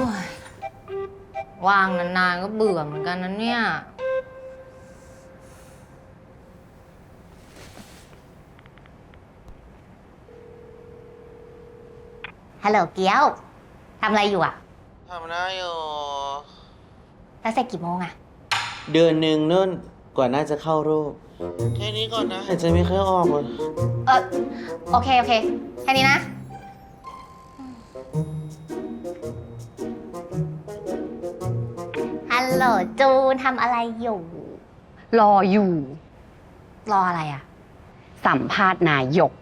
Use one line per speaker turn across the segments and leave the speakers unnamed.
ยว่างนานๆก็เบื่อเหมือนกันนะเนี่ยฮัลโหลเกียวทำอะไรอยู่อะ
ทำได้อยู่
แล้วเสร็จกี่โมงอะ
เดือนหนึ่งนู่นกว่าน่าจะเข้ารูป แค่นี้ก่อนนะหายใจไม่ค่อยออกเลย
เออโอเคแค่นี้นะฮัลโหลจูนทำอะไรอยู่
รออยู่
รออะไรอะ
สัมภาษณ์นายก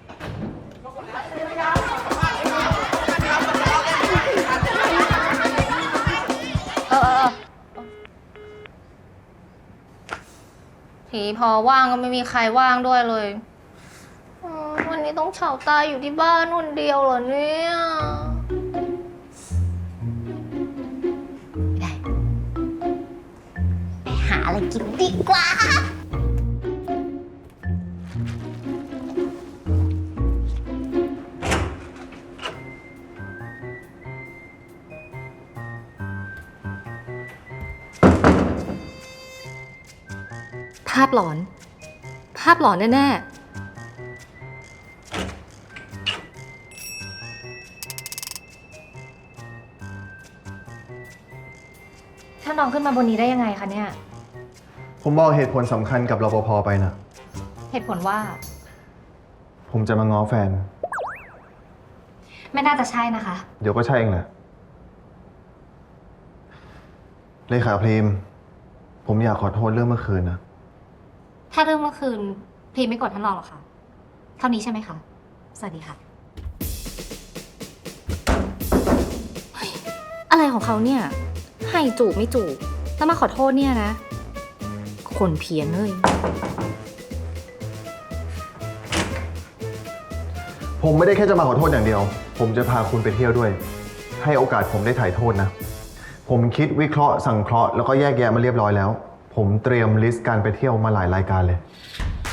ทีพอว่างก็ไม่มีใครว่างด้วยเลยวันนี้ต้องเฉาตายอยู่ที่บ้านคนเดียวเหรอเนี่ยไม่ได้ไปหาอะไรกินดีกว่า
ภาพหลอน ภาพหลอนแน่ๆท่านรองขึ้นมาบนนี้ได้ยังไงคะเนี่ย
ผมบอกเหตุผลสำคัญกับรปภไปนะ
เหตุผลว่า
ผมจะมาง้อแฟน
ไม่น่าจะใช่นะคะ
เดี๋ยวก็ใช่เองแหละเลขาพรีม ผมอยากขอโทษเรื่องเมื่อคืนนะ
ถ้าเรื่องเมื่อคืนพรีมไม่กดท่านรองหรอกค่ะ เท่านี้ใช่ไหมคะ สวัสดีค่ะเฮ้ยอะไรของเขาเนี่ย ให้จูบไม่จูบแล้วมาขอโทษเนี่ยนะ คนเพี้ยนเลย
ผมไม่ได้แค่จะมาขอโทษอย่างเดียว ผมจะพาคุณไปเที่ยวด้วย ให้โอกาสผมได้ถ่ายโทษนะ ผมคิดวิเคราะห์สังเคราะห์แล้วก็แยกแยะมาเรียบร้อยแล้ว ผมเตรียมลิสต์การไปเที่ยวมาหลายรายการเลย